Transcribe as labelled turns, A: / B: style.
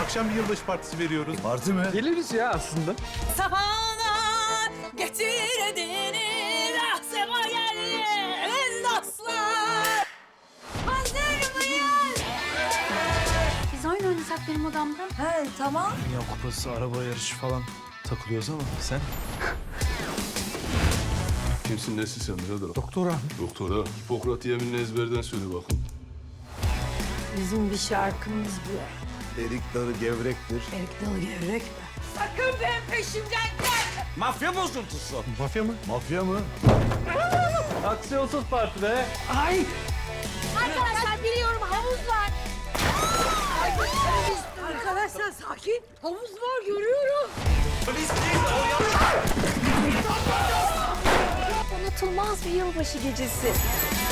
A: Akşam bir yılbaşı partisi veriyoruz.
B: Parti mi?
C: Geliriz ya aslında.
D: Sabahlar getir edini, rahsema gelin dostlar. Hazır mıyız?
E: Biz oyun oynasak benim odamda.
D: He tamam.
B: Dünya kupası, araba yarışı falan takılıyoruz ama sen?
F: Kimsin, nesin sen birader?
B: Doktora.
F: Doktora. Hipokrat yeminini ezberden söyle bakın.
D: Bizim bir şarkımız bu.
B: Erik dalı gevrektir.
D: Erik dalı gevrek mi? Sakın benim peşimden gel.
B: Mafya bozuntusu.
A: Mafya mı?
B: Mafya mı?
C: Aksiyonsuz parti be.
D: Arkadaşlar biliyorum havuz var. Arkadaşlar sakin. Havuz var görüyorum.
E: Unutulmaz bir yılbaşı gecesi.